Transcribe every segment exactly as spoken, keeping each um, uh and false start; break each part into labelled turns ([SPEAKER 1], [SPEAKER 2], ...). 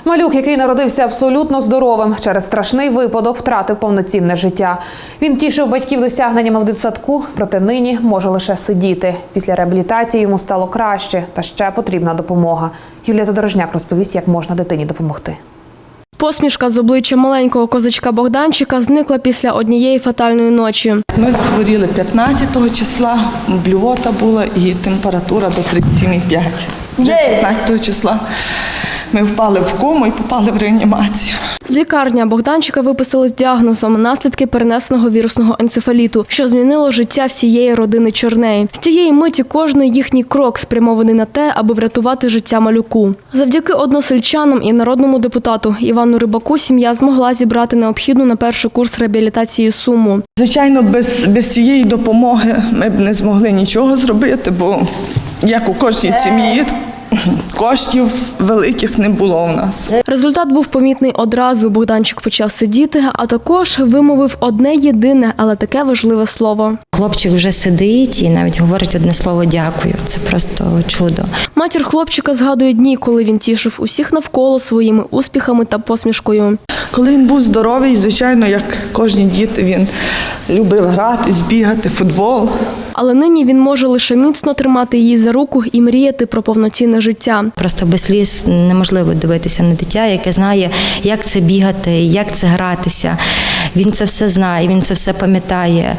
[SPEAKER 1] Малюк, який народився абсолютно здоровим, через страшний випадок втратив повноцінне життя. Він тішив батьків досягненнями в дитсадку, проте нині може лише сидіти. Після реабілітації йому стало краще, та ще потрібна допомога. Юлія Задорожняк розповість, як можна дитині допомогти.
[SPEAKER 2] Посмішка з обличчя маленького козачка Богданчика зникла після однієї фатальної ночі.
[SPEAKER 3] Ми захворіли п'ятнадцятого числа, блювота була і температура до тридцять сім і п'ять. шістнадцятого числа ми впали в кому і попали в реанімацію.
[SPEAKER 2] З лікарні Богданчика виписали з діагнозом наслідки перенесеного вірусного енцефаліту, що змінило життя всієї родини Чорней. З тієї миті кожний їхній крок спрямований на те, аби врятувати життя малюку. Завдяки односельчанам і народному депутату Івану Рибаку сім'я змогла зібрати необхідну на перший курс реабілітації суму.
[SPEAKER 3] Звичайно, без, без цієї допомоги ми б не змогли нічого зробити, бо як у кожній сім'ї, коштів великих не було у нас.
[SPEAKER 2] Результат був помітний одразу. Богданчик почав сидіти, а також вимовив одне єдине, але таке важливе слово.
[SPEAKER 4] Хлопчик вже сидить і навіть говорить одне слово «дякую». Це просто чудо.
[SPEAKER 2] Матір хлопчика згадує дні, коли він тішив усіх навколо своїми успіхами та посмішкою.
[SPEAKER 3] Коли він був здоровий, звичайно, як кожні діти, він любив грати, збігати, футбол.
[SPEAKER 2] Але нині він може лише міцно тримати її за руку і мріяти про повноцінне життя.
[SPEAKER 4] Просто без сліз неможливо дивитися на дитя, яке знає, як це бігати, як це гратися. Він це все знає, він це все пам'ятає.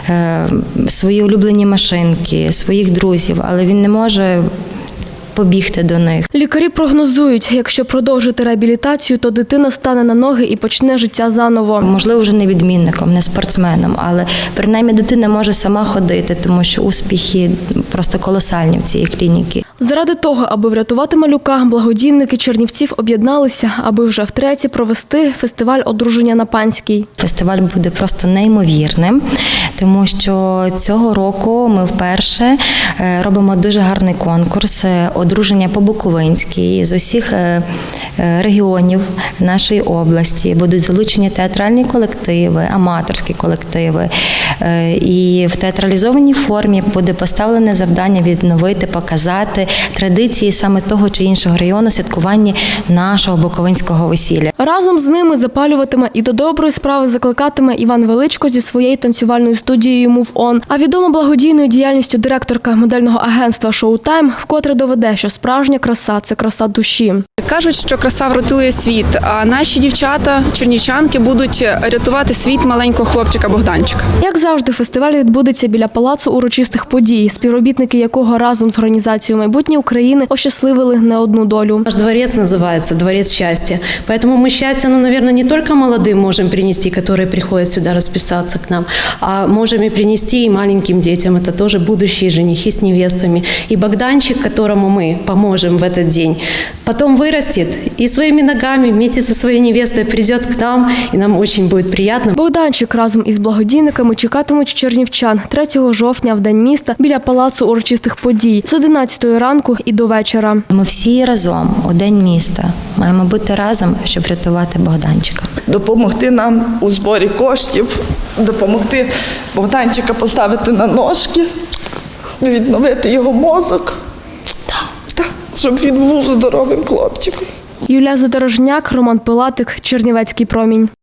[SPEAKER 4] Свої улюблені машинки, своїх друзів, але він не може побігти до них.
[SPEAKER 2] Лікарі прогнозують, якщо продовжити реабілітацію, то дитина стане на ноги і почне життя заново.
[SPEAKER 4] Можливо, вже не відмінником, не спортсменом, але принаймні дитина може сама ходити, тому що успіхи просто колосальні в цій клініці.
[SPEAKER 2] Заради того, аби врятувати малюка, благодійники Чернівців об'єдналися, аби вже втретє провести фестиваль одруження на Панській.
[SPEAKER 4] Фестиваль буде просто неймовірним, тому що цього року ми вперше робимо дуже гарний конкурс одруження по-буковинськи. З усіх регіонів нашої області будуть залучені театральні колективи, аматорські колективи. І в театралізованій формі буде поставлене завдання відновити, показати традиції саме того чи іншого району святкування нашого буковинського весілля.
[SPEAKER 2] Разом з ними запалюватиме і до доброї справи закликатиме Іван Величко зі своєю танцювальною студією «Move On». А відома благодійною діяльністю директорка модельного агентства «Showtime» вкотре доведе, що справжня краса – це краса душі.
[SPEAKER 5] Кажуть, що краса врятує світ, а наші дівчата, чернівчанки, будуть рятувати світ маленького хлопчика Богданчика.
[SPEAKER 2] Як завжди, фестиваль відбудеться біля Палацу урочистих подій, співробітники якого разом з організацією «Майбутнє України» ощасливили не одну долю.
[SPEAKER 6] Наш дворец называется «Дворец счастья». Поэтому мы счастье, ну, наверное, не только молодым можем принести, которые приходят сюда расписаться к нам, а можем и принести и маленьким детям. Это тоже будущие женихи с невестами. И Богданчик, которому мы поможем в этот день, потом вырастет и своими ногами вместе со своей невестой придет к нам, и нам очень будет приятно.
[SPEAKER 2] Богданчик разом із благодійниками чекатимуть чернівчан третього жовтня в День міста біля Палацу урочистих подій з одинадцятої ранку і до вечора.
[SPEAKER 4] Ми всі разом у День міста маємо бути разом, щоб врятувати Богданчика. Допомогти
[SPEAKER 3] нам у зборі коштів, допомогти Богданчика поставити на ножки, відновити його мозок, щоб він був здоровим хлопчиком.
[SPEAKER 2] Юлія Задорожняк, Роман Пилатик, Чернівецький промінь.